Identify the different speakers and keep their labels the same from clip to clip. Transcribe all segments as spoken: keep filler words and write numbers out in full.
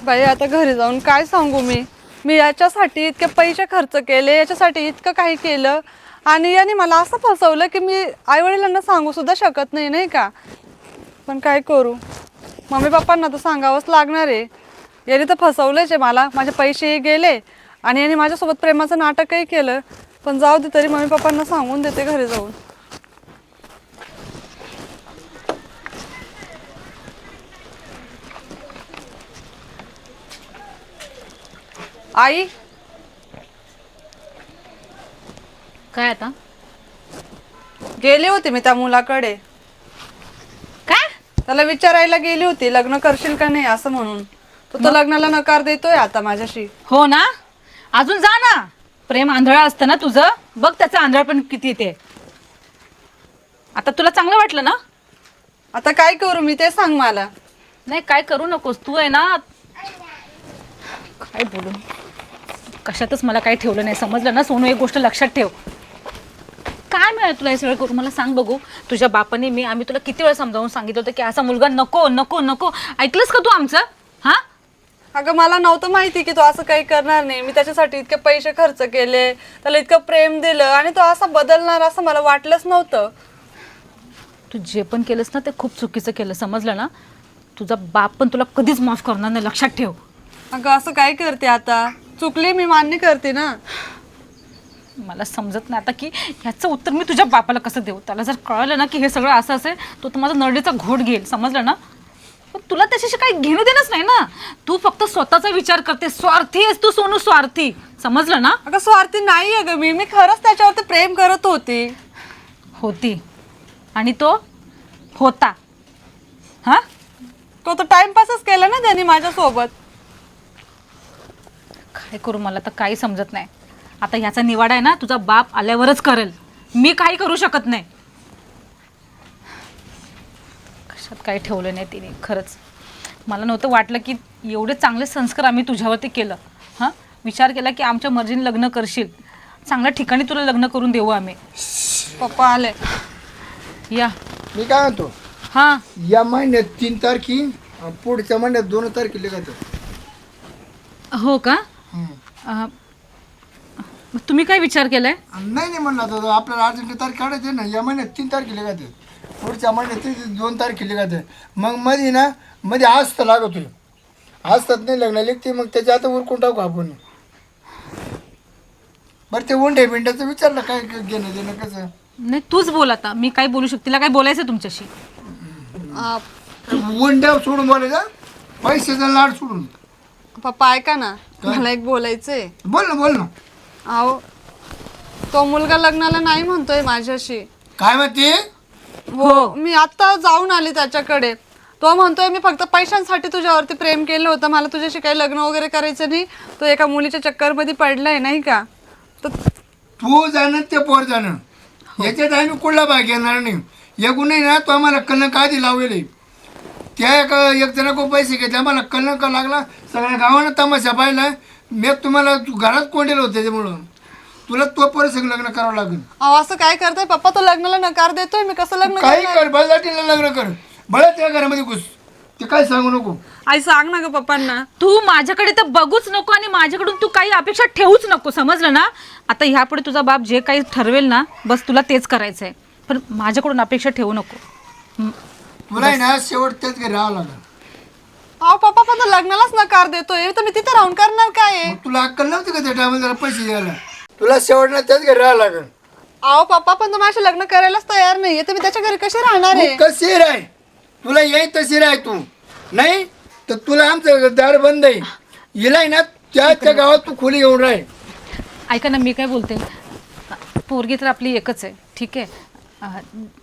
Speaker 1: बाई आता घरी जाऊन काय सांगू मी मी याच्यासाठी इतके पैसे खर्च केले, याच्यासाठी इतकं काही केलं आणि याने मला असं फसवलं की मी आईवडिलांना सांगू सुद्धा शकत नाही, नाही का. पण काय करू, मम्मी पप्पांना तर सांगावंच लागणार आहे. याने तर फसवलंच आहे मला, माझे पैसेही गेले आणि याने माझ्यासोबत प्रेमाचं नाटकही केलं. पण जाऊ दे, तरी मम्मी पप्पांना सांगून देते घरी जाऊन. आई,
Speaker 2: काय आता
Speaker 1: गेले होते मी त्या मुलाकडे.
Speaker 2: काय
Speaker 1: त्याला विचारायला गेली होती लग्न करशील का नाही असं म्हणून. तो तर लग्नाला नकार देतोय आता माझ्याशी.
Speaker 2: हो ना, अजून जा ना. प्रेम आंधळा असतं ना तुझं, बघ त्याचं आंधळ पण किती ते. आता तुला चांगलं वाटलं ना.
Speaker 1: आता काय करू मी ते सांग मला.
Speaker 2: नाही काय करू नकोस तू, आहे ना. काय बोलू, कशातच मला काही ठेवलं नाही, समजलं ना सोनू. एक गोष्ट लक्षात ठेव. काय मिळालं तुला हे सगळं करू, मला सांग बघू. तुझ्या बापाने मी आम्ही तुला किती वेळा समजावून सांगितलं होतं की असा मुलगा नको नको नको. ऐकलंस का तू आमचं? हा
Speaker 1: अगं मला नव्हतं माहिती की तो असं काही करणार नाही. मी त्याच्यासाठी इतके पैसे खर्च केले, त्याला इतकं प्रेम दिलं आणि तो असा बदलणार असं मला वाटलंच नव्हतं.
Speaker 2: तू जे पण केलंस ना ते खूप चुकीचं केलं, समजलं ना. तुझा बाप पण तुला कधीच माफ करणार नाही, लक्षात ठेव.
Speaker 1: अगं असं काय करते आता, चुकली मी मान्य करते ना.
Speaker 2: मला समजत नाही आता की ह्याचं उत्तर मी तुझ्या बापाला कसं देऊ. त्याला जर कळलं ना की हे सगळं असं असेल तो तर माझा नरडीचा घोट घेईल, समजलं ना. पण तुला त्याच्याशी काही घेणं देणंच नाही ना. तू फक्त स्वतःचा विचार करते, स्वार्थी आहेस तू सोनू, स्वार्थी, समजलं ना.
Speaker 1: अगं स्वार्थी नाही अगं मी मी खरंच त्याच्यावरती प्रेम करत होती.
Speaker 2: होती आणि तो होता. हा
Speaker 1: तो तर टाइमपासच केला ना त्याने माझ्यासोबत.
Speaker 2: काय करू मला तर काही समजत नाही. आता ह्याचा निवाडा आहे ना तुझा बाप आल्यावरच करेल, मी काही करू शकत नाही. कशात काही ठेवलं नाही तिने, खरंच. मला नव्हतं वाटलं की एवढे चांगले संस्कार आम्ही तुझ्यावरती केलं. हां, विचार केला की आमच्या मर्जीने लग्न करशील, चांगल्या ठिकाणी तुला लग्न करून देऊ आम्ही.
Speaker 1: पप्पा आले.
Speaker 3: या मी काय म्हणतो,
Speaker 2: हां
Speaker 3: या महिन्यात तीन तारखी, पुढच्या महिन्यात दोन तारखेला का.
Speaker 2: हो का. अं, तुम्ही काय विचार केलाय?
Speaker 3: नाही नाही म्हणलं आता आपल्याला अर्जंट तारीख काढायची ना. या महिन्यात तीन तारखेला का, पुढच्या महिन्यात दोन तारखेला का. मग मध्ये ना मध्ये आज तर लागत होईल, आज तर नाही लग्न लिखते. मग त्याच्या आता उरकून टाकू आपण. बरं ते उंडे बिंड्याचं विचारलं काय घेणं देणं कसं.
Speaker 2: नाही तूच बोल आता, मी काय बोलू शकते. तिला काय बोलायचं तुमच्याशी?
Speaker 3: उंड्या सोडून बोलायचं, पैशाचा लाड सोडून.
Speaker 1: पप्पा ऐका ना, मला एक बोलायचंय.
Speaker 3: बोल ना बोल ना.
Speaker 1: अहो तो मुलगा लग्नाला नाही म्हणतोय माझ्याशी.
Speaker 3: काय म्हणते?
Speaker 1: हो मी आता जाऊन आली त्याच्याकडे. तो म्हणतोय मी फक्त पैशांसाठी तुझ्यावरती प्रेम केलं होतं, मला तुझ्याशी काही लग्न वगैरे करायचं नाही. तो एका मुलीच्या चक्करमध्ये पडलाय नाही का. तर
Speaker 3: तू जाणं ते पोर जाणं, याच्यात आम्ही कुठला भाग घेणार नाही. एकूण नाही ना, तो आम्हाला कलंक आधी लावले. त्या एका एक जणाको पैसे घेतले, आम्हाला कलंक लागला. सगळ्या गावानं तमाशा पाहिला. मी तुम्हाला घरात कोंडेल होते, त्याच्यामुळं तुला तो पोर सगळं लग्न करावं लागेल.
Speaker 1: अहो असं काय करताय पप्पा, तो लग्नाला नकार देतोय, मी कसं लग्न
Speaker 3: काही
Speaker 1: करणार?
Speaker 3: कर, बळजाटीला लग्न कर, बळा त्या घरामध्ये घुस. ते काय सांगू नको.
Speaker 1: आई सांग ना ग पप्पांना.
Speaker 2: तू माझ्याकडे तर बघूच नको आणि माझ्याकडून तू काही अपेक्षा ठेवूच नको, समजलं ना. आता ह्यापुढे तुझा बाप जे काही ठरवेल ना, बस तुला तेच करायचं आहे. पण माझ्याकडून अपेक्षा ठेवू नको.
Speaker 3: तुला आहे ना शेवट त्याच घरी राहावं लागेल.
Speaker 1: अहो पप्पा पण तो लग्नालाच नकार देतोय, तर मी तिथे राहून करणार काय?
Speaker 3: मग तुला अक्कल नव्हती का त्या टायमाला जरा पैसे द्यायला? तुला शेवटला त्याच घरी राहावं लागेल.
Speaker 1: अहो पप्पा पण तो माझ्या लग्न करायलाच तयार नाहीये, तर मी त्याच्या घरी कशी राहणार आहे?
Speaker 3: तू कशी राह, तुला येई तशी राह. तू नाही तर तुला आमचं दार बंद आहे. हिलाय ना त्या त्या गावात तू खोली घेऊन राह.
Speaker 2: ऐका ना, मी काय बोलते, पोरगी तर आपली एकच आहे, ठीक आहे. अं,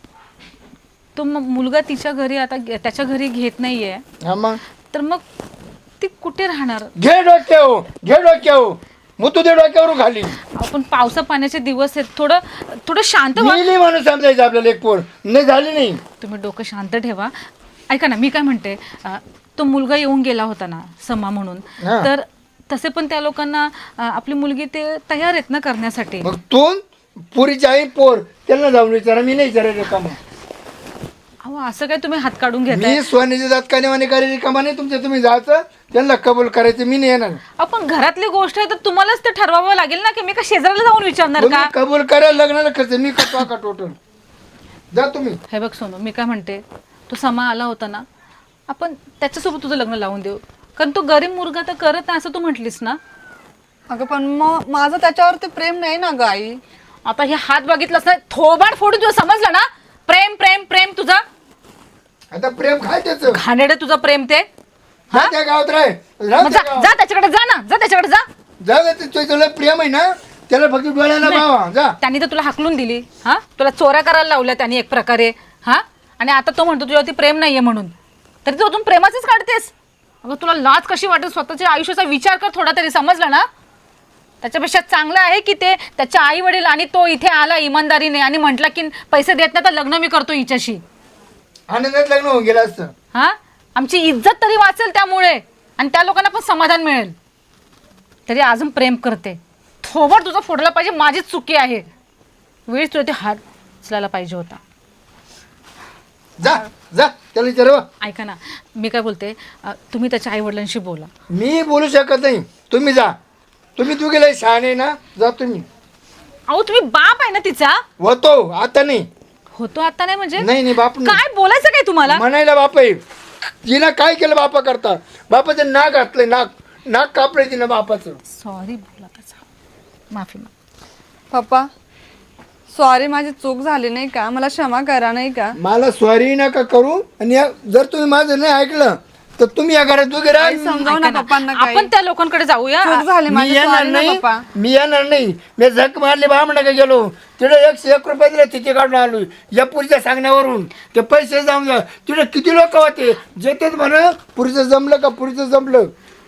Speaker 2: तो मग मुलगा तिच्या घरी आता त्याच्या घरी घेत नाहीये,
Speaker 3: हा मग
Speaker 2: तर मग ती कुठे राहणार?
Speaker 3: घे डोक्यावर, घे डोक्यावर, मग तू ते डोक्यावरून खाली.
Speaker 2: आपण पावसा पाण्याचे दिवस आहेत, थोडं थोडं शांत व्हा.
Speaker 3: गेली म्हणून समजायचं आपल्याला. एक पोर नाही झाली नाही.
Speaker 2: तुम्ही डोकं शांत ठेवा. ऐका ना, मी काय म्हणते, अं, तो मुलगा येऊन गेला होता ना समा म्हणून,
Speaker 3: हा.
Speaker 2: तर तसे पण त्या लोकांना अं, आपली मुलगी ते तयार आहेत ना करण्यासाठी.
Speaker 3: मग तू पुरीची आई पोर त्यांना जाऊन विचारा, मी नाही विचारायचं का. मग
Speaker 2: अहो असं काय तुम्ही हात काढून घेताय?
Speaker 3: मी सोन्याची जात कानेवाने करेली कमाने तुमच्या तुम्ही जायचं त्यांना कबूल करायचं मी नाही येणार.
Speaker 2: आपण घरातली गोष्ट आहे तर तुम्हालाच ते ठरवावं लागेल ना की मी का शेजाऱ्याला जाऊन विचारणार
Speaker 3: तुम्ही
Speaker 2: का?
Speaker 3: कबूल करा लग्नाला खर्च मी करतो का टोटल. जा तुम्ही.
Speaker 2: हे बघ सोनू, मी काय म्हणते, तो समा आला होता ना, आपण त्याच्यासोबत तुझं लग्न लावून देऊ, कारण तो गरीब मुलगा तर करत नाही असं तू म्हटलीस ना.
Speaker 1: अगं पण मग माझं त्याच्यावरती प्रेम नाही ना ग आई.
Speaker 2: आता हे हात बघितलंस ना, थोबाड फोडून तुला समजलं ना, प्रेम प्रेम प्रेम तुझा
Speaker 3: आता प्रेम काय त्याचं
Speaker 2: घाणेरडं तुझं प्रेम ते.
Speaker 3: जा त्या गावात राह राह
Speaker 2: मग
Speaker 3: त्या
Speaker 2: जा
Speaker 3: गावात.
Speaker 2: जा त्याच्याकडे जा ना, जा त्याच्याकडे जा.
Speaker 3: जा ग, ते तुझं प्रेम आहे ना त्याला फक्त डोळ्याला भावा. जा.
Speaker 2: त्यांनी तर तुला हाकलून दिली, हा तुला चोऱ्या करायला लावल्या त्यांनी एक प्रकारे, हा आणि आता तो म्हणतो तुझ्यावरती प्रेम नाहीये म्हणून, तरी तू अजून प्रेमाचीच काढतेस. अगं तुला लाज कशी वाटेल, स्वतःच्या आयुष्याचा विचार कर थोडा तरी, समजलं ना. त्याच्यापेक्षा चांगलं आहे की ते त्याच्या आई वडील आणि तो इथे आला इमानदारीने आणि म्हटला की पैसे देत नाही तर लग्न मी करतो हिच्याशी.
Speaker 3: आनंदात लग्न होऊन गेलं असतं.
Speaker 2: हा आमची इज्जत तरी वाचेल त्यामुळे आणि त्या लोकांना पण समाधान मिळेल. तरी अजून प्रेम करते. थोबड तुझा फोडला पाहिजे, माझीच चुकी आहे. वेळीच तुला ते हात उचलायला पाहिजे होता.
Speaker 3: जा जा त्याला विचारवा.
Speaker 2: ऐका ना, मी काय बोलते, अ, तुम्ही त्याच्या आई वडिलांशी बोला.
Speaker 3: मी बोलू शकत नाही, तुम्ही जा. तुम्ही तू गेले शहाणे ना, जा तुम्ही.
Speaker 2: अहो तुम्ही बाप आहे ना तिचा.
Speaker 3: होतो आता नाही.
Speaker 2: होतो आता नाही म्हणजे
Speaker 3: नाही नाही बाप नाही.
Speaker 2: काय बोलायचं काय तुम्हाला?
Speaker 3: म्हणायला बाप आहे. तिनं काय केलं बापा करता, बापाचं नाक घातलंय, नाक नाक कापलंय तिनं बापाचं.
Speaker 2: सॉरी बोला त्याचा, माफी माग.
Speaker 1: पप्पा सॉरी, माझी चूक झाली नाही का, मला क्षमा करा नाही का.
Speaker 3: मला सॉरी नका करू. आणि या- जर तुम्ही माझं नाही ऐकलं तर तुम्ही या घरात दोघे राहा.
Speaker 1: आई, समजाव ना
Speaker 2: ऐका ना,
Speaker 1: पप्पांना काही.
Speaker 2: आपण त्या लोकांकडे जाऊया.
Speaker 1: चूक झाली
Speaker 3: मी
Speaker 1: माझी,
Speaker 3: येणार
Speaker 1: sorry ना
Speaker 3: नाही,
Speaker 1: पप्पा.
Speaker 3: मी येणार नाही. मी झक मारली बामणा का गेलो तिथे एकशे एक रुपये दिले, तिथे काढून आलो या पुरीच्या सांगण्यावरून. ते पैसे जाऊन जा तिथे किती लोक होते जे तेच म्हणा पुरीचं जमलं का पुरीचं जमलं.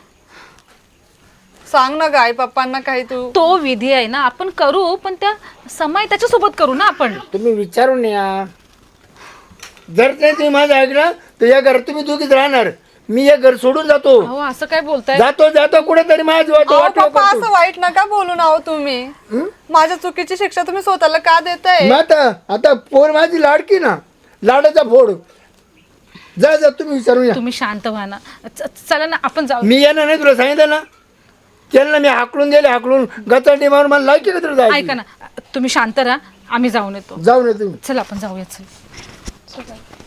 Speaker 1: सांग ना ग आई पप्पांना काही तू.
Speaker 2: तो विधी आहे ना, आपण करू, पण त्या समय त्याच्यासोबत करू ना आपण.
Speaker 3: तुम्ही विचारून या. जर नाही तुम्ही माझं ऐकलं तर या घरात तुम्ही दोघीच राहणार. मी हे घर सोडून जातो.
Speaker 2: अहो असं काय बोलताय?
Speaker 3: जातो जातो कुठेतरी माझं वाट
Speaker 1: अहो,
Speaker 3: वाटलं
Speaker 1: पप्पा
Speaker 3: करतो.
Speaker 1: असं वाईट नका बोलू ना हो तुम्ही. माझ्या चुकीची शिक्षा तुम्ही स्वतःला का देताय?
Speaker 3: मग आता आता पोर माझी लाडकी ना, लाडाचा फोड. जा जा तुम्ही विचारून या.
Speaker 2: तुम्ही शांत व्हा ना. च- चला ना आपण जाऊ.
Speaker 3: मी येणार नाही, तुला सांगितलं ना. त्यांना मी हाकलून दिले, हाकलून गचाटी मारून मला लायकी का तुला जायची?
Speaker 2: ऐका ना, तुम्ही शांत राहा, आम्ही जाऊन येतो.
Speaker 3: जाऊ नये तुम्ही.
Speaker 2: चला आपण जाऊया. चल.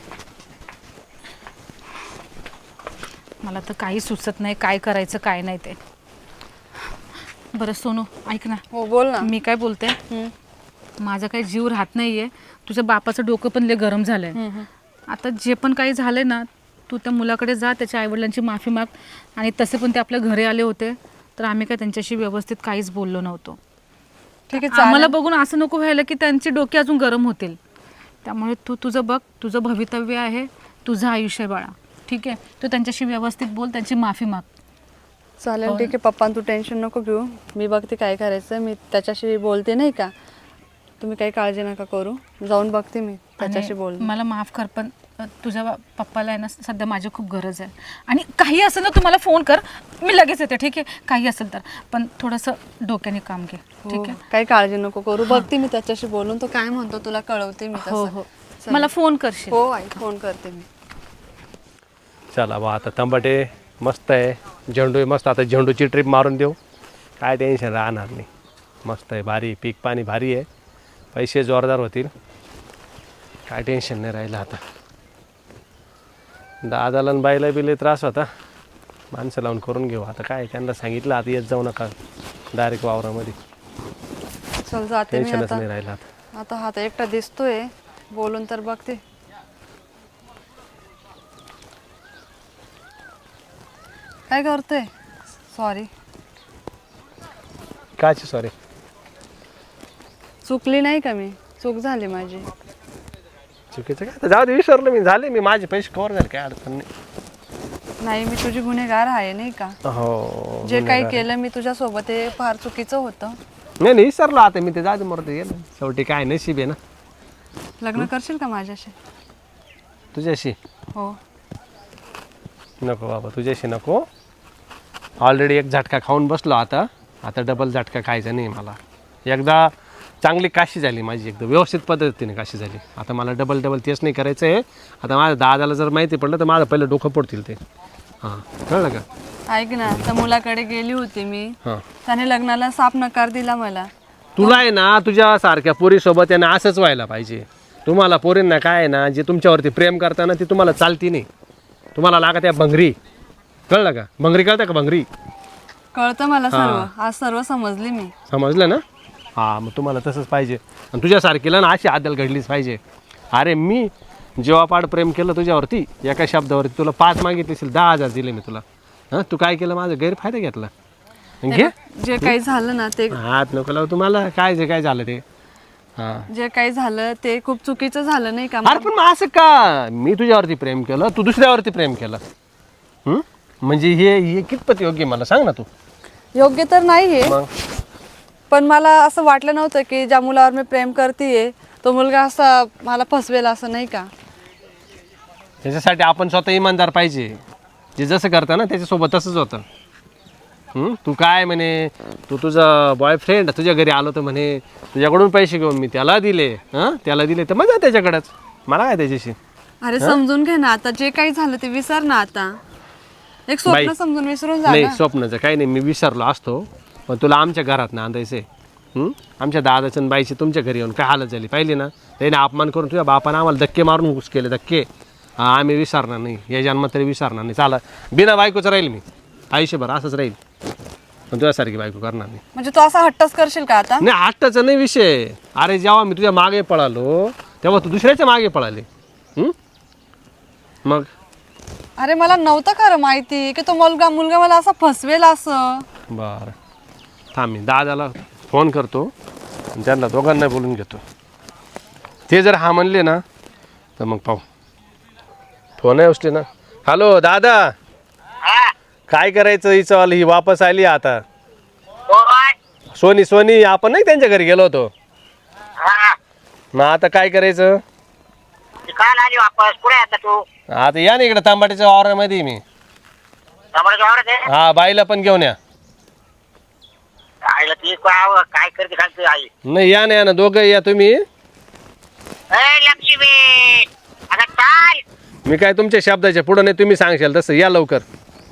Speaker 2: मला तर काही सुचत नाही काय करायचं काय नाही ते. बरं सोनू ऐक ना,
Speaker 1: हो बोल ना.
Speaker 2: मी काय बोलते,
Speaker 1: हम्म.
Speaker 2: माझा काही जीव राहत नाहीये. तुझ्या बापाचं डोकं पण लय गरम झालंय. आता जे पण काही झालंय ना, तू त्या मुलाकडे जा, त्याच्या आईवडिलांची माफी माग. आणि तसे पण ते आपल्या घरी आले होते तर आम्ही काय त्यांच्याशी व्यवस्थित काहीच बोललो नव्हतो.
Speaker 1: ठीक आहे
Speaker 2: आम्हाला
Speaker 1: चालेल.
Speaker 2: बघून असं नको व्हायला की त्यांची डोके अजून गरम होतील. त्यामुळे तू तुझं बघ, तुझं भवितव्य आहे, तुझं आयुष्य आहे बाळा. ठीक आहे, तू त्यांच्याशी व्यवस्थित बोल, त्यांची माफी माग.
Speaker 1: चालेल ठीक आहे पप्पा, तू टेन्शन नको घेऊ. मी बघते काय करायचं, मी त्याच्याशी बोलते नाही का. तुम्ही काही काळजी नका करू, जाऊन बघते मी त्याच्याशी
Speaker 2: आणि
Speaker 1: बोलते.
Speaker 2: मला माफ कर, पण अ, तुझ्या बा- पप्पाला आहे ना सध्या माझी खूप गरज आहे. आणि काही असेल ना तू मला फोन कर, मी लगेच येते. ठीक आहे, काही असेल तर, पण थोडंसं डोक्याने काम घे.
Speaker 1: हो,
Speaker 2: ठीक आहे.
Speaker 1: काही काळजी नको करू. बघते मी त्याच्याशी बोलून, तो काय म्हणतो तुला कळवते मी
Speaker 2: हो
Speaker 1: तसं.
Speaker 2: हो,
Speaker 1: चल.
Speaker 2: मला फोन करशील.
Speaker 1: हो आई, फोन करते मी.
Speaker 4: चला बा, आता तंबाटे मस्त आहे, झेंडू आहे मस्त. आता झेंडूची ट्रिप मारून देऊ, काय टेन्शन राहणार नाही. मस्त आहे, भारी पीक पाणी भारी आहे, पैसे जोरदार होतील, काय टेन्शन नाही राहिलं. आता दादाला आणि बाईला बी लय त्रास होता, माणसं लावून करून घेऊ. आता काय त्यांना सांगितलं, आता येत जाऊ नका डायरेक्ट वावरामध्ये,
Speaker 1: चल जाते मी
Speaker 4: टेन्शनच
Speaker 1: आता.
Speaker 4: नाही राहिलं आता.
Speaker 1: आता हा तर एकटा दिसतोय, बोलून तर बघते. काय करतोय? सॉरी,
Speaker 4: काची सॉरी,
Speaker 1: चुकली नाही का मी? चूक झाली माझी.
Speaker 4: चुकीचं काय, आता जाऊ दे, विसरलो मी. झाले मी, माझे पैसे कवर झाले, काय अडचण नाही.
Speaker 1: नाही, मी तुझी गुन्हेगार आहे नाही का.
Speaker 4: हो,
Speaker 1: जे काही केलं मी तुझ्या सोबत हे फार चुकीचं होतं.
Speaker 4: नाही नाही विसरलो आता मी. ते जाऊ दे, मरते गेलं शेवटी, काय नशीब आहे ना.
Speaker 1: लग्न करशील का माझ्याशी?
Speaker 4: तुझ्याशी
Speaker 1: हो.
Speaker 4: नको बाबा, तुझ्याशी नको. ऑलरेडी एक झटका खाऊन बसलो, आता आता डबल झटका खायचा नाही मला. एकदा चांगली काशी झाली माझी, एकदम व्यवस्थित पद्धतीने काशी झाली. आता मला डबल डबल तेच नाही करायचं आहे. आता माझ्या दादाला जर माहिती पडलं तर माझं पहिलं डोकं पडतील ते. हां कळलं का?
Speaker 1: ऐक ना, त्या मुलाकडे गेली होती मी,
Speaker 4: हां
Speaker 1: त्याने लग्नाला साफ नकार दिला मला.
Speaker 4: तुला आहे ना तुझ्या सारख्या पोरीसोबत यानं असंच व्हायला पाहिजे. तुम्हाला पोरींना काय आहे ना, जे तुमच्यावरती प्रेम करताना ती तुम्हाला चालती नाही, तुम्हाला लागत आहे भंगरी. कळलं का? भंगरी कळतं का? भंगरी
Speaker 1: कळतं मला सर्व, आज सर्व समजली मी.
Speaker 4: समजलं ना? हां मग तुम्हाला तसंच पाहिजे. आणि तुझ्यासारखीला ना अशी आदल घडलीच पाहिजे. अरे मी जेव्हापाड प्रेम केलं तुझ्यावरती, एका शब्दावरती तुला पाच मागितले असेल, दहा हजार दिले मी तुला. हां तू काय केलं? माझा गैरफायदा घेतला. घे
Speaker 1: जे काही झालं ना ते
Speaker 4: हात नको लावू तुम्हाला. काय जे काय झालं ते. हां
Speaker 1: जे काही झालं ते खूप चुकीचं झालं नाही का?
Speaker 4: अरे पण मग असं का? मी तुझ्यावरती प्रेम केलं, तू दुसऱ्यावरती प्रेम केलं. हं? म्हणजे हे हे कितपत योग्य मला सांग ना तू.
Speaker 1: योग्य तर नाहीये,
Speaker 4: मग
Speaker 1: पण मला असं वाटलं नव्हतं की ज्या मुलावर मी प्रेम करतेय तो मुलगा असा मला फसवेल, असं नाही का?
Speaker 4: त्याच्यासाठी आपण स्वतः इमानदार पाहिजे. जे जसं करता ना त्याच्यासोबत तसंच होतं. हं? तू काय म्हणे, तू तुझा बॉयफ्रेंड तुझ्या घरी आलो तर म्हणे तुझ्याकडून पैसे घेऊन मी त्याला दिले. हां त्याला दिले तर मजा त्याच्याकडंच, मला काय त्याच्याशी.
Speaker 1: अरे समजून घे ना, आता जे काही झालं ते विसर ना. आता एक स्वप्न
Speaker 4: बाई,
Speaker 1: समजून विसरून जा
Speaker 4: नाही
Speaker 1: ना.
Speaker 4: स्वप्नाचं काही नाही, मी विसरलो असतो, पण तुला आमच्या घरात ना आणायचंय. हं? आमच्या दादाचं आणि बाईची तुमच्या घरी येऊन काय हालत झाली पाहिली ना. त्याने अपमान करून तुझ्या बापानं आम्हाला धक्के मारून घुस केले धक्के. हां आम्ही विसरणार नाही, या जन्मात तरी विसरणार नाही. चाला बिना बायकोचं राहील मी आयुष्यभर, असंच राहील, पण तुझ्यासारखी बायको करणार नाही.
Speaker 1: म्हणजे तू असा हट्टच करशील का आता?
Speaker 4: नाही हट्टाचा नाही विषय. अरे जेव्हा मी तुझ्या मागे पळालो तेव्हा तू दुसऱ्याच्या मागे पळाले. हं? मग
Speaker 1: अरे मला नव्हतं खरं माहिती की तो मुलगा मुलगा मला असा फसवेल असं.
Speaker 4: बरं थांब, मी दादाला फोन करतो आणि त्यांना दोघांना बोलून घेतो. ते जर हा म्हणले ना तर मग पाहू. फोन आहे उचले ना. हॅलो दादा, काय करायचं? हिचं ही वापस आली आता. सोनी सोनी आपण नाही त्यांच्या घरी गेलो होतो, मग आता काय करायचं?
Speaker 5: काल आली वापस. कुठे आता तू?
Speaker 4: आता या ना इकडे तांबाटीच्या वावरामध्ये मी.
Speaker 5: टमाट्याच्या वावरात आहे?
Speaker 4: हा बाईला पण घेऊन या.
Speaker 5: आईला ती काय काय करते खालती आई?
Speaker 4: नाही या ना या ना दोघं या तुम्ही.
Speaker 5: ए लक्ष्मी, आता चाल.
Speaker 4: मी काय तुमच्या शब्दाच्या पुढं नाही, तुम्ही सांगशाल तसं या लवकर.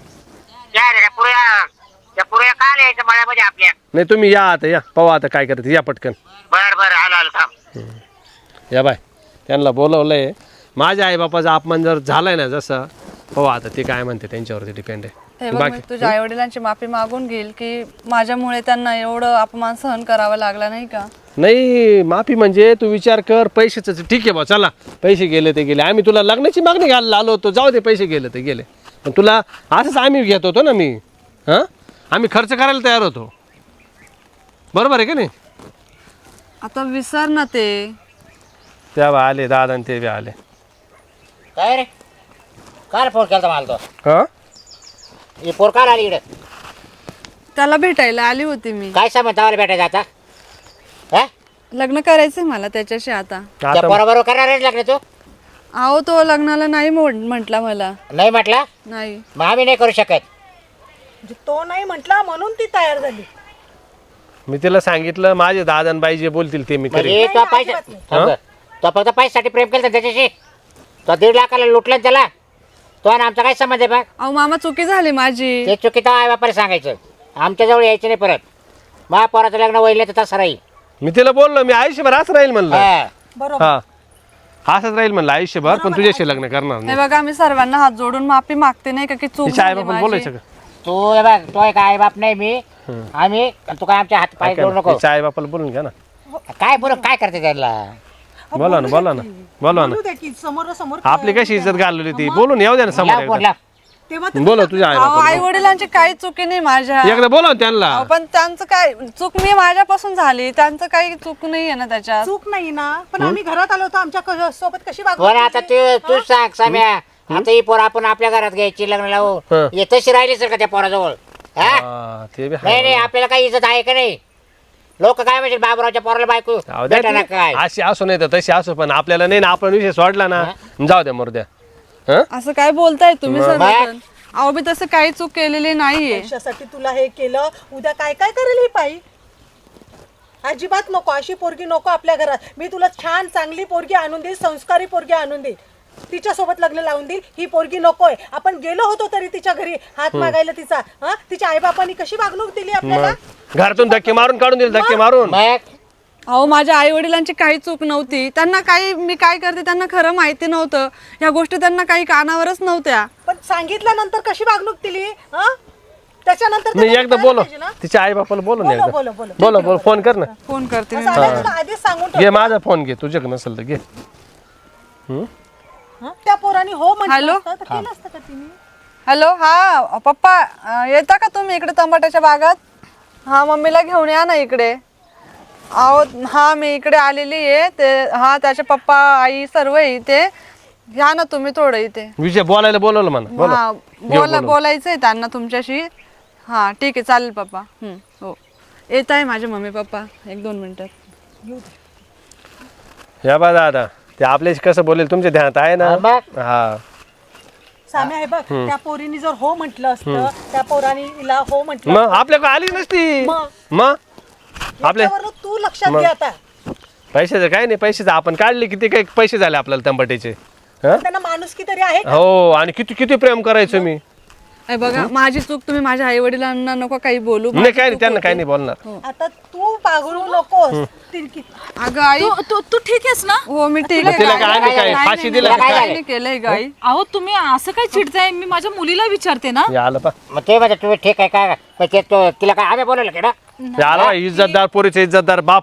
Speaker 5: या रे त्या पुऱ्या त्या पुऱ्या काल यायचं मळ्यामध्ये आपल्या.
Speaker 4: नाही तुम्ही या आता, या पाहू आता काय करते, या पटकन.
Speaker 5: बर बर आलो आलो थांब.
Speaker 4: या बाय, त्यांना बोलवलंय. माझ्या आईबापाचा अपमान जर झालाय ना जसं, हो आता ते काय म्हणते त्यांच्यावरती डिपेंड
Speaker 1: हे
Speaker 4: आहे.
Speaker 1: बघ, मी तुझ्या आई वडिलांची माफी मागून घेईल की माझ्यामुळे त्यांना एवढं अपमान सहन करावा लागला नाही का?
Speaker 4: नाही माफी म्हणजे तू विचार कर, पैशाचं ठीक आहे बा, चला पैसे गेले ते गेले. आम्ही तुला लग्नाची मागणी घ्यायला आलो होतो, जाऊ दे पैसे गेले ते गेले, पण तुला असंच आम्ही घेत होतो ना. मी हां आम्ही खर्च करायला तयार होतो, बरोबर आहे का नाही?
Speaker 1: आता विसर ना ते.
Speaker 4: त्या बा आले दादा आणि ते बी आले.
Speaker 5: काय रे काय फोन केला मला तो?
Speaker 4: हां
Speaker 5: ही पोर काल आली इकडे?
Speaker 1: त्याला भेटायला आली होती मी.
Speaker 5: काय सांगत आम्हाला भेटायचं आता? हा
Speaker 1: लग्न करायचंय मला त्याच्याशी आता.
Speaker 5: त्या
Speaker 4: आता
Speaker 5: पोराबरोबर करणार आहे लग्न तू?
Speaker 1: अहो तो लग्नाला नाही म्हटला मला.
Speaker 5: नाही म्हटला?
Speaker 1: नाही.
Speaker 5: मग आम्ही नाही करू शकत.
Speaker 6: म्हणजे तो नाही म्हटला म्हणून ती तयार झाली.
Speaker 4: मी तिला सांगितलं माझे दादा आणि बाई जे बोलतील ते मी करेन.
Speaker 5: म्हणजे तो पैसे थांब. तो फक्त पैशासाठी प्रेम केलं त्याच्याशी. तो दीड लाखाला लुटला ना त्याला. तो आणि आमचा काय संबंध आहे बघ?
Speaker 1: अहो मामा चुकी झाली माझी.
Speaker 5: ते चुकीचं आई बापाला सांगायचं, आमच्याजवळ यायचं नाही परत. महापौराचं लग्न वहिले तर तसं राहील.
Speaker 4: मी तिला बोललो मी आयुष्यभर असं राहील म्हणलं.
Speaker 5: हा.
Speaker 6: बरोबर.
Speaker 4: हा असंच राहील म्हणलं आयुष्यभर, पण तुझ्याशी लग्न करणार
Speaker 1: हे
Speaker 4: नाही.
Speaker 1: बघा मी सर्वांना हात जोडून माफी मागते नाही का की चूक
Speaker 4: तिच्या आई
Speaker 1: झाली
Speaker 4: बापा
Speaker 1: माझी.
Speaker 4: बोलायचं का?
Speaker 5: तू हे बघ, तो एक आई बाप नाही मी. आम्ही तू काय आमच्या हात पाय जोडू नको.
Speaker 4: तिच्या आई बापाला बोलून घ्या ना.
Speaker 5: काय बोल काय करते त्याला?
Speaker 4: बोला ना बोला ना बोला ना.
Speaker 6: बोलू दे की समोर समोर
Speaker 4: आपली कशी इज्जत घालवली ती, बोलून येऊ द्या ना समोर
Speaker 5: लाव फोन
Speaker 4: एकदा.
Speaker 5: लाव.
Speaker 6: तेव्हा
Speaker 4: बोला तुझ्या आई
Speaker 1: अहो
Speaker 4: बापाला.
Speaker 1: आई वडिलांची काही चुकी नाही माझ्या.
Speaker 4: एकदा बोला ना त्यांना.
Speaker 1: अहो, पण त्यांचं काय चूक मी माझ्यापासून झाली, त्यांचं काही चूक नाही आहे ना त्याच्यात.
Speaker 6: चूक नाही ना, पण आम्ही घरात आलो होतो, आमच्या क- सोबत कशी वागणूक
Speaker 5: बरं आता
Speaker 6: केली?
Speaker 5: तू तू सांग साम्या, आता ही पोर आपण आपल्या घरात घ्यायची लग्न लावू.
Speaker 4: हं.
Speaker 5: हे तशी राहिली सर का त्या पोराजवळ? हा?
Speaker 4: हा, ते बी
Speaker 5: नाही
Speaker 4: आहे.
Speaker 5: नाही आपल्याला काही इज्जत आहे का नाही? लोक काय म्हणजे बाबूरावच्या पोराला बायको
Speaker 4: जाऊ द्या
Speaker 5: भेटा ना
Speaker 4: ती.
Speaker 5: काय?
Speaker 4: अशी असू नाही तर तशी असू, पण आपल्याला नाही ना, आपण विषय सोडला ना, जाऊ द्या मरू द्या. हं?
Speaker 1: असं काय बोलताय तुम्ही
Speaker 5: मग?
Speaker 1: सर्वजण? अहो मी तसं काही चूक केलेली नाहीये.
Speaker 6: पैशासाठी तुला हे केलं, उद्या काय काय करेल ही पायी? अजिबात नको, अशी पोरगी नको आपल्या घरात. मी तुला छान चांगली पोरगी आणून देईल, संस्कारी पोरगी आणून देईल, तिच्यासोबत लग्न लावून देईल. ही पोरगी नकोय. आपण गेलो होतो तरी तिच्या घरी हात मागायला तिचा, हा तिच्या आईबापांनी कशी वागणूक दिली आपल्याला.
Speaker 4: मग घरातून धक्के मारून काढून दिले, धक्के मारून.
Speaker 5: मग
Speaker 1: अहो माझ्या आई वडिलांची काही चूक नव्हती. त्यांना काही मी काय करते त्यांना खरं माहिती नव्हतं. ह्या गोष्टी त्यांना काही कानावरच नव्हत्या.
Speaker 6: पण सांगितल्यानंतर कशी वागणूक दिली, हा त्याच्यानंतर ते
Speaker 4: नाही
Speaker 6: त्यांनी
Speaker 4: एकदा
Speaker 6: करायला
Speaker 4: बोलो,
Speaker 6: पाहिजे ना.
Speaker 4: तिच्या आई बापाला बोलो ना
Speaker 6: बोलो,
Speaker 4: एकदा.
Speaker 6: बोलो, बोलो.
Speaker 4: बोलो बोलो फोन कर ना.
Speaker 1: फोन करते मी.
Speaker 6: असं आलंय तुला आधीच सांगून ठेव.
Speaker 4: घे माझा फोन घे, तुझ्याकडे नसेल तर घे. हम्म?
Speaker 6: हं? त्या पोराने हो म्हटलं
Speaker 1: हॅलो?
Speaker 6: असतं तर केलं असतं का तिने.
Speaker 1: हॅलो, हा पप्पा अं, येता का तुम्ही इकडे टमाट्याच्या बागात? हा मम्मीला घेऊन या ना इकडे. अहो हा मी इकडे आलेली आहे. ते हा त्याचे पप्पा आई सर्व आहे इथे. या ना तुम्ही थोडं इथे.
Speaker 4: विजय बोलायला बोलवलं म्हणा. बोला.
Speaker 1: हा बोला बोलायचंय त्यांना तुमच्याशी. हा ठीक आहे चालेल पप्पा. हम्म, हो येत आहे माझे मम्मी पप्पा एक दोन मिनिटात.
Speaker 4: या बा दादा, ते आपल्याशी कसं बोलेल तुमच्या ध्यानात आहे ना.
Speaker 5: हा, मग?
Speaker 4: हा
Speaker 6: साम्या हे बघ, त्या पोरीने जर हो म्हटलं असतं, त्या पोराने हिला हो म्हटलं
Speaker 4: मग आपल्याकडे आली नसती.
Speaker 6: मग?
Speaker 4: मग आपल्या
Speaker 6: याच्यावरनं तू लक्षात घे आता.
Speaker 4: पैशाचं काय नाही, पैशाचं आपण काढले किती काही पैसे झाले आपल्याला तंबाट्याचे. हं?
Speaker 6: त्यांना माणुसकी तरी आहे का?
Speaker 4: हो, आणि किती किती प्रेम करायचो मी.
Speaker 1: अरे बघा माझी चूक. तुम्ही माझ्या आई वडिलांना नको काही बोलू.
Speaker 4: नाही काय नाही, त्यांना काही नाही बोलणार.
Speaker 6: आता तू पागळू नकोस. ती-
Speaker 1: अगं आई
Speaker 2: तू तू तू ठीक आहेस ना?
Speaker 1: हो मी ठीक
Speaker 4: मग
Speaker 1: आहे.
Speaker 4: तिला
Speaker 1: गाई.
Speaker 4: काय आम्ही काय
Speaker 1: नाही,
Speaker 4: फाशी
Speaker 1: नाही,
Speaker 4: दिलं
Speaker 1: नाही,
Speaker 4: का
Speaker 1: काही
Speaker 4: काय?
Speaker 1: नाही केलंय गाई.
Speaker 2: अहो तुम्ही असं काय चिडताय? मी माझ्या मुलीला विचारते ना.
Speaker 4: हे आलं पा
Speaker 5: मग ते म्हणजे तुम्ही ठीक आहे काय पण ते तो तिला काय आम्ही बोलवलं की ना
Speaker 4: हे आलं बा, इज्जतदार पोरीचे इज्जतदार बाप.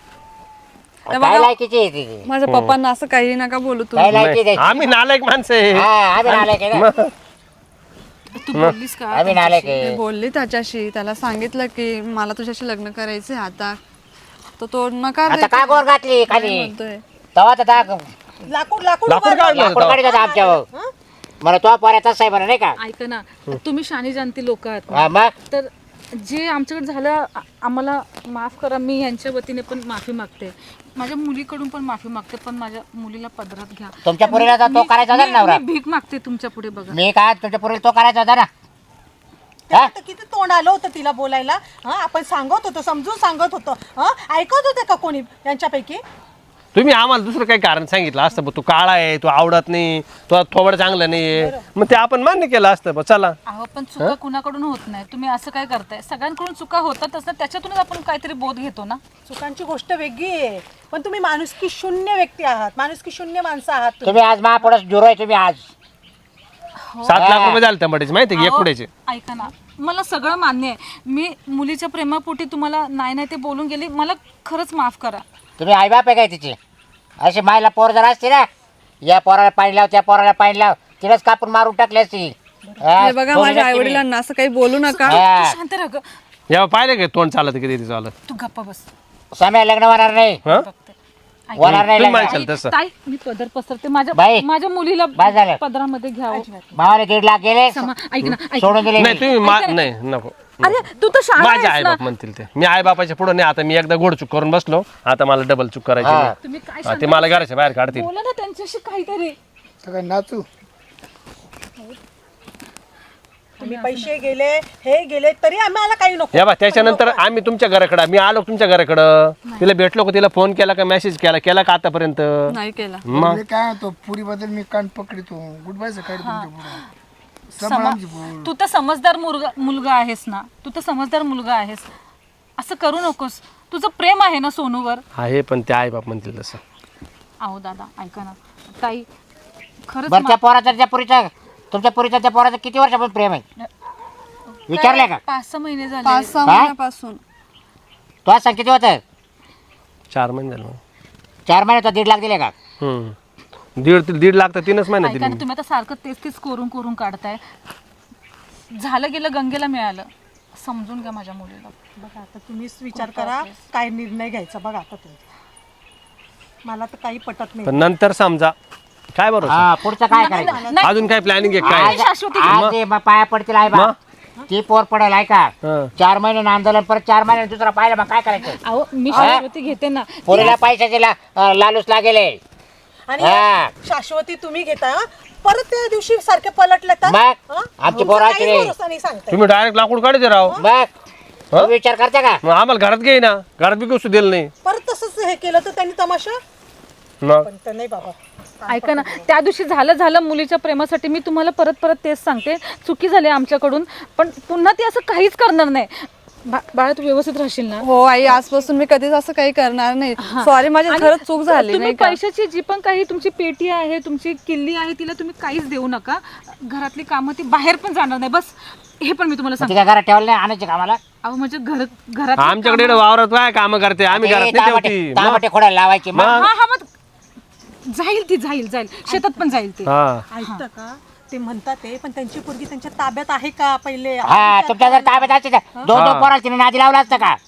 Speaker 5: काय लायकीची आहे तिची
Speaker 1: माझ्या पप्पांना असं काही नका बोलू
Speaker 5: काय
Speaker 1: तुम्ही.
Speaker 5: लायकी
Speaker 4: नाही,
Speaker 5: द्यायची
Speaker 4: आम्ही नालायक माणसं आहे.
Speaker 5: हा आम्ही नालायक आहे ना.
Speaker 2: तू बोललीस का?
Speaker 5: आम्ही नालायक आहे.
Speaker 1: मी बोलली त्याच्याशी. त्याला सांगितलं की मला तुझ्याशी लग्न करायचंय आता. तर तो नकार
Speaker 5: आता
Speaker 1: देतो.
Speaker 5: का गोर घातली
Speaker 1: काय
Speaker 5: खाली
Speaker 1: म्हणतोय?
Speaker 5: तेव्हा तर दा-
Speaker 6: लाकूड लाकूड
Speaker 4: लाकूड
Speaker 6: उभारलं.
Speaker 4: काढलं
Speaker 5: लाकूड
Speaker 4: होतं.
Speaker 5: काढी का आमच्या मला तो पोऱ्याचाच आहे म्हणा नाही का.
Speaker 2: ऐका ना, तुम्ही शानी जाणती लोक आहात ना.
Speaker 5: हा, मग
Speaker 2: तर जे आमच्याकडे झालं आ- आम्हाला माफ करा. मी यांच्या वतीने पण माफी मागते, माझ्या मुलीकडून पण माफी मागते, पण माझ्या मुलीला पदरात घ्या.
Speaker 5: तुमच्या पोरीला तर तो
Speaker 2: मी-
Speaker 5: करायचा होता ना
Speaker 2: मी-
Speaker 5: नवरा.
Speaker 2: मी भीक मागते तुमच्या पुढे बघा.
Speaker 5: मी काय तुमच्या पोरीला तो करायचा होता ना.
Speaker 6: तेव्हा तर किती तोंड आलं होतं तिला बोलायला. हा आपण सांगत होतो, समजून सांगत होतो. हा ऐकत होते का कोणी यांच्यापैकी?
Speaker 4: तुम्ही आम्हाला दुसरं काही कारण सांगितलं असतं, बा, तू काळा आहे, तू आवडत नाही, तू थोबड चांगलं नाहीये, मग ते आपण मान्य केलं असतं. बा, चला.
Speaker 2: अहो पण चुका कुणाकडून होत नाही. तुम्ही असं काय करताय? सगळ्यांकडून चुका होतातच ना, त्याच्यातूनच आपण काहीतरी बोध घेतो ना.
Speaker 6: चुकांची गोष्ट वेगळी आहे, पण तुम्ही माणुसकी शून्य व्यक्ती आहात, माणुसकी शून्य माणसं आहात तुम्ही.
Speaker 5: तुम्ही आज महापुढे जुरो आहे तुम्ही आज.
Speaker 4: सात लाख रुपये झाले तंबाट्याचे माहिती आहे, एक
Speaker 2: अहो,
Speaker 4: पुढेचे.
Speaker 2: ऐका ना, मला सगळं मान्य आहे. मी मुलीच्या प्रेमापोटी तुम्हाला नाही नाही ते बोलून गेली. मला खरंच माफ करा.
Speaker 5: तुम्ही आईबाप आहे काय तिची? अशी मायला पोर जर असते ना, या पोराला पाणी लाव त्या पोराला पाणी लाव, तिलाच कापून मारून टाकली असती. हा,
Speaker 1: हे बघा
Speaker 5: सोडली
Speaker 1: माझ्या आई
Speaker 5: नसती मी.
Speaker 1: वडिलांना असं काही बोलू नका.
Speaker 5: हा.
Speaker 2: तू शांत राहा गं.
Speaker 4: या पाहिलं का तोंड चालत किती ते चालत.
Speaker 2: तू गप्पा बस.
Speaker 5: समय लग्न होणार नाही.
Speaker 4: हं?
Speaker 2: बघते.
Speaker 5: होणार नाही
Speaker 4: तुम्ही
Speaker 5: लग्न.
Speaker 4: म्हणशाल तसं.
Speaker 2: ताई मी पदर पसरते. माझ्या
Speaker 5: बाई.
Speaker 2: माझ्या मुलीला
Speaker 5: बाई झालं.
Speaker 2: पदरामध्ये घ्यावं.
Speaker 5: भावाला दीड लाख गेले
Speaker 2: समा ऐक ना, ऐक
Speaker 5: सोडून दिले
Speaker 4: नाही
Speaker 5: मी.
Speaker 4: तुम्ही मा- नाही नको.
Speaker 2: अरे तू तर शाळा
Speaker 4: माझे आई बाप म्हणतील ते. मी आई बापाच्या पुढे नाही. आता मी एकदा गोड चूक करून बसलो, आता मला डबल चूक करायची
Speaker 5: हा.
Speaker 4: नाही.
Speaker 2: तुम्ही काय
Speaker 4: हा, ते मला घराच्या बाहेर काढतील.
Speaker 2: बोला ना त्यांच्याशी काहीतरी.
Speaker 3: सगळं नाचू.
Speaker 6: तुम्ही पैसे गेले, हे गेले, तरी आम्हाला काही नको.
Speaker 4: या बा त्याच्यानंतर आम्ही तुमच्या घराकडं मी आलो तुमच्या घराकडं, तिला भेटलो का, तिला फोन केला का, मेसेज केला केला का आतापर्यंत?
Speaker 1: नाही केला.
Speaker 4: मग
Speaker 3: मी काय म्हणतो पुरी बद्दल मी कान पकडितो. गुड बाय सकाळी तुमच्या पुढे
Speaker 2: समा-
Speaker 3: सांभाळायची पोर.
Speaker 2: तू तर समजदार मुलगा मुलगा आहेस ना. तू तर समजदार मुलगा आहेस. असं करू नकोस. तुझं प्रेम आहे ना सोनूवर.
Speaker 4: आहे, पण ते आई बाप म्हणतील तसं.
Speaker 2: अहो दादा ऐका ना, ताई खरंच
Speaker 5: बरं त्या पोराचं त्या पुरीचं तुमच्या पुरीचं त्या पोराचं किती वर्षापासून प्रेम आहे विचारलंय का?
Speaker 2: पाच सहा महिने झाले.
Speaker 1: पाच सहा
Speaker 5: काय?
Speaker 1: महिन्यापासून.
Speaker 5: तो आज सांग किती होतं?
Speaker 4: चार महिने झाले.
Speaker 5: चार महिने तो दीड लाख दिले का?
Speaker 4: हम्म. दीड दीड लाख तर तीनच महिने
Speaker 2: ऐका
Speaker 4: दिले.
Speaker 2: ना, तुम्ही आता सारखं तेच तेच करून करून काढताय. झालं गेलं गंगेला मिळालं. समजून घ्या माझ्या मुलीला.
Speaker 6: बघा आता तुम्हीच विचार करा काय निर्णय घ्यायचा. बघा आता तुम्ही, मला तर काही पटत नाही.
Speaker 4: पण नंतर समजा काय बरोबर.
Speaker 5: हा पुढचं काय करायचं?
Speaker 2: नाही,
Speaker 4: अजून काय प्लॅनिंग आहे
Speaker 2: नाही,
Speaker 4: काय?
Speaker 2: शाश्वती
Speaker 5: आज ते मग पाया पडतील आई बा ती पोर पडेल आहे का?
Speaker 4: हं.
Speaker 5: चार महिने आंदोलन परत चार महिने दुसरा पाहिलं मग काय करायचं?
Speaker 2: अहो मी शाश्वती घेते ना.
Speaker 5: पोरीला पैशाचे ला- अं, लालूच लागेले.
Speaker 6: आणि
Speaker 5: हा.
Speaker 6: शाश्वती तुम्ही घेता हं? परत त्या दिवशी सारखे पलटले तर
Speaker 5: मग?
Speaker 6: हं?
Speaker 5: आमची
Speaker 6: तुमचा
Speaker 5: पोरं
Speaker 6: काही
Speaker 5: अशी-
Speaker 6: भरोसा नाही सांगताय.
Speaker 4: तुम्ही डायरेक्ट लाकूड काढते राव.
Speaker 5: मग तुम्ही विचार करता का
Speaker 4: मग आम्हाला घरात घे ना, घरात बी कसू दिलं नाही
Speaker 6: परत तसंच हे केलं तर त्यांनी तमाशा
Speaker 4: मग
Speaker 6: पण तर नाही बाबा.
Speaker 2: ऐका ना, त्या दिवशी झालं झालं मुलीच्या प्रेमासाठी मी तुम्हाला परत परत तेच सांगते, चुकी झाली आमच्याकडून, पण पुन्हा ती असं काहीच करणार नाही. बा- बाळा तू व्यवस्थित राहशील ना?
Speaker 1: हो आई, आजपासून मी कधीच असं काही करणार नाही. सॉरी, माझी
Speaker 2: आणि
Speaker 1: खरंच चूक झाली
Speaker 2: तुम्ही
Speaker 1: नाही का?
Speaker 2: पैशाची जी पण काही तुमची पेटी आहे, तुमची किल्ली आहे, तिला तुम्ही काहीच देऊ नका. घरातली कामं ती बाहेर पण जाणार नाही, बस हे पण मी तुम्हाला सांगते.
Speaker 5: तिच्या घरात ठेवलं नाही आणायचे कामाला
Speaker 2: अहो म्हणजे घर घरात
Speaker 4: आमच्याकडे इकडे वावरात काय काम करते, आम्ही घरात नाही ठेवती. मग-
Speaker 5: तांबटे खोडायला लावायची मग.
Speaker 2: हा हा मग जाईल ती जाईल जाईल शेतात पण जाईल ती.
Speaker 4: हा
Speaker 6: ऐकतं का ते म्हणतात ते, पण त्यांची पोरगी त्यांच्या ताब्यात आहे का पहिले?
Speaker 5: हा तुमच्या जर ताब्यात असते तर दोन दोन पोराला तिने नादी लावला असतं का?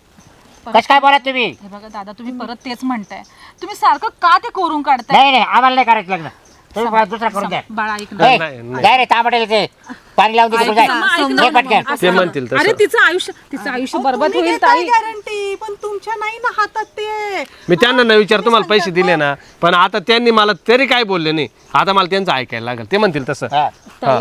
Speaker 5: कस काय बोला तुम्ही?
Speaker 2: हे बघा दादा, तुम्ही परत तेच म्हणताय. तुम्ही सारखं का ते कोरून काढताय?
Speaker 5: नाही नाही आम्हाला नाही करायचं लग्न, तुम्ही मला दुसरा करून द्या.
Speaker 2: बाळा ऐक ना.
Speaker 5: ए,
Speaker 4: नाही, नाही.
Speaker 5: जाय रे तांबटेला ते पाणी लावून दे तिकडे जाय.
Speaker 2: समजा
Speaker 5: ये पटकन.
Speaker 4: ते म्हणतील
Speaker 2: अरे
Speaker 4: तसं.
Speaker 2: तिचं आयुष्य तिचं आयुष्य बरबाद होईल ताई.
Speaker 6: गॅरंटी पण तुमच्या नाही ना हातात ते.
Speaker 4: मी त्यांना नाही विचार तुम्हाला पैसे दिले ना, पण आता त्यांनी मला तरी काय बोलले नाही, आता मला त्यांचं ऐकायला लागेल. ते म्हणतील तसं.
Speaker 5: हा.
Speaker 4: हा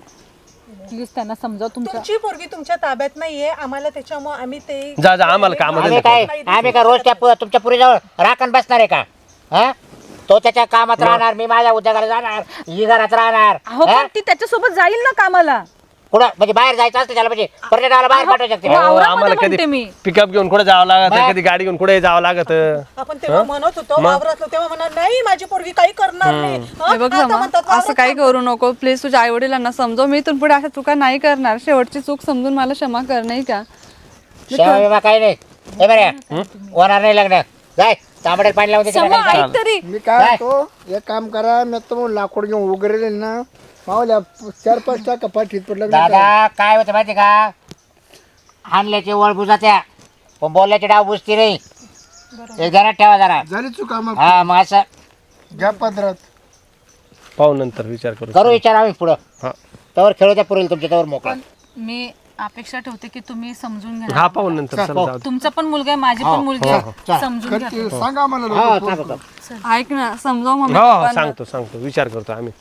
Speaker 2: प्लीज त्यांना समजाव तुमच्या.
Speaker 6: तुमची पोरगी तुमच्या ताब्यात नाहीये, आम्हाला त्याच्यामुळे आम्ही ते
Speaker 4: जा जा, आम्हाला काम
Speaker 5: आम्ही काय आम्ही काय रोज त्या पु- तुमच्या पुरीजवळ राखण बसणार आहे का? हा तो त्याच्या कामात राहणार, मी माझ्या उद्योगाला जाणार, ही घरात राहणार.
Speaker 2: अहो
Speaker 5: हा?
Speaker 2: पण ती त्याच्यासोबत जाईल ना कामाला.
Speaker 5: कुठं म्हणजे बाहेर जायचं असतं त्याला, म्हणजे पर्यटनाला बाहेर पाठवू शकते.
Speaker 2: हो,
Speaker 4: हो,
Speaker 2: वावरामध्ये
Speaker 4: आम्हाला
Speaker 2: म्हणते
Speaker 4: कधी
Speaker 2: मी.
Speaker 4: पिकअप घेऊन कुठे जावं लागत,
Speaker 5: मग?
Speaker 4: कधी गाडी घेऊन कुठे जावं लागत.
Speaker 6: आपण तेव्हा म्हणत होतो वावरातलो, तेव्हा म्हणणार नाही माझी पोरगी काही करणार नाही. हं?
Speaker 1: हे बघ
Speaker 6: आता
Speaker 1: जमा,
Speaker 6: म्हणतात
Speaker 1: असं
Speaker 6: वावरात
Speaker 1: काही करू नको प्लीज. तुझ्या आई वडिलांना समजव, मी इथून पुढे अशा चुका नाही करणार. शेवटची चूक समजून मला क्षमा कर, नाही का?
Speaker 5: सेवा बिमा काही नाही. हे बरं होणार नाही लग्न. जाय तांबड्यात पाणी लावून दे तिला
Speaker 2: समा,
Speaker 5: खाली जाय.
Speaker 2: ऐक तरी.
Speaker 3: मी काय म्हणतो, एक काम करा, मी तुम्हाला लाकूड घेऊन उघडले ना, मावल्या चार पाच टाका पाठीत पडलं.
Speaker 5: दादा काय होतं माहिती का, हाणल्याची वळ बुजात्या पण बोलल्याची डाव बुजती नाही. एक जरा ठेवा जरा.
Speaker 3: झाली चुका मग
Speaker 5: हा मग असं
Speaker 3: घ्या पदरात.
Speaker 4: पाहू नंतर विचार करू.
Speaker 5: करू विचार आम्ही पुढं.
Speaker 4: हा
Speaker 5: तवर खेळू द्या पुरेल तुमच्या तवर मोकळा.
Speaker 2: मी अपेक्षा ठेवते की तुम्ही समजून घ्या.
Speaker 4: हा पाहू नंतर. चला जाऊ दे.
Speaker 2: तुमचा पण मुलगा आहे, माझी पण मुलगी आहे. समजून घ्या.
Speaker 3: ते सांगा मला
Speaker 5: हा
Speaker 3: लोकं.
Speaker 5: सांगतो.
Speaker 1: ऐक ना, समजाव मम्मी
Speaker 4: हो हो,
Speaker 1: पप्पांना.
Speaker 4: सांगतो सांगतो विचार करतो आम्ही.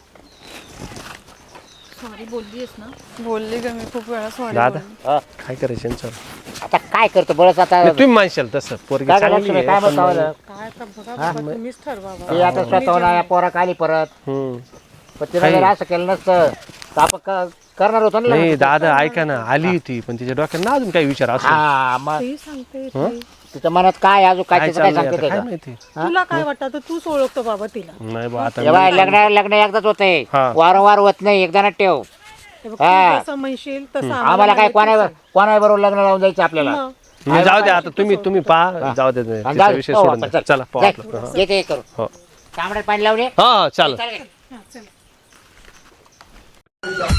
Speaker 2: सॉरी बोललीस ना.
Speaker 1: बोलली ग मी खूप वेळा सॉरी.
Speaker 4: दादा
Speaker 5: हा.
Speaker 4: काय करायचं यांचं?
Speaker 5: आता काय करतो बळच आता.
Speaker 4: नाही, तुम्ही मानशाल तसं, पोरगी
Speaker 5: काय
Speaker 4: चांगली
Speaker 5: लक्ष्मी
Speaker 4: आहे,
Speaker 5: काय
Speaker 4: पण
Speaker 5: म्हणतो
Speaker 4: मग-
Speaker 6: काय आता बघा बाबा, तुम्हीच ठरवा बाबा.
Speaker 5: ते आता स्वतःहून या पोराक आली परत.
Speaker 4: हम्म.
Speaker 5: पण तिला जर असं केलं नसतं तर आपण क- करणार होतो ना
Speaker 4: नाही
Speaker 5: लग्न.
Speaker 4: दादा ऐका ना, आली होती पण तिच्या डोक्यात ना अजून काही विचार असतो.
Speaker 5: हा मग
Speaker 6: तेही सांगते ते.
Speaker 5: तिच्या मनात काय अजून काय
Speaker 4: काय
Speaker 5: तिचं काय
Speaker 4: चाललंय
Speaker 5: सांगते
Speaker 4: आता, काय
Speaker 5: त्याचं.
Speaker 4: माहिती.
Speaker 6: तुला काय वाटतं तर तूच ओळखतो बाबा तिला.
Speaker 4: नाही बा आता
Speaker 5: जेव्हा लग्न लग्न एकदाच होते,
Speaker 4: हा.
Speaker 5: वारंवार होत नाही, एकदा ठेव.
Speaker 6: हे बघ, तू
Speaker 5: हा.
Speaker 6: जसं म्हणशील तसं
Speaker 5: आम्हाला काय कोणा कोणा बरोबर लग्न लावून जायचं आपल्याला.
Speaker 6: मग.
Speaker 4: मी जाऊ दे आता, तुम्ही तुम्ही पहा, जाऊ दे
Speaker 5: आणि
Speaker 4: तिचा
Speaker 5: जाऊ दे.
Speaker 4: विषय
Speaker 5: हो,
Speaker 4: सोडून
Speaker 5: आपण
Speaker 4: द्या.
Speaker 5: चल.
Speaker 4: चला पाहू
Speaker 5: जाय.
Speaker 4: आपलं. हा.
Speaker 5: ये ते करू
Speaker 4: हो
Speaker 5: तांबड्यात पाणी लावले
Speaker 4: हा चालेल.
Speaker 5: चालेल.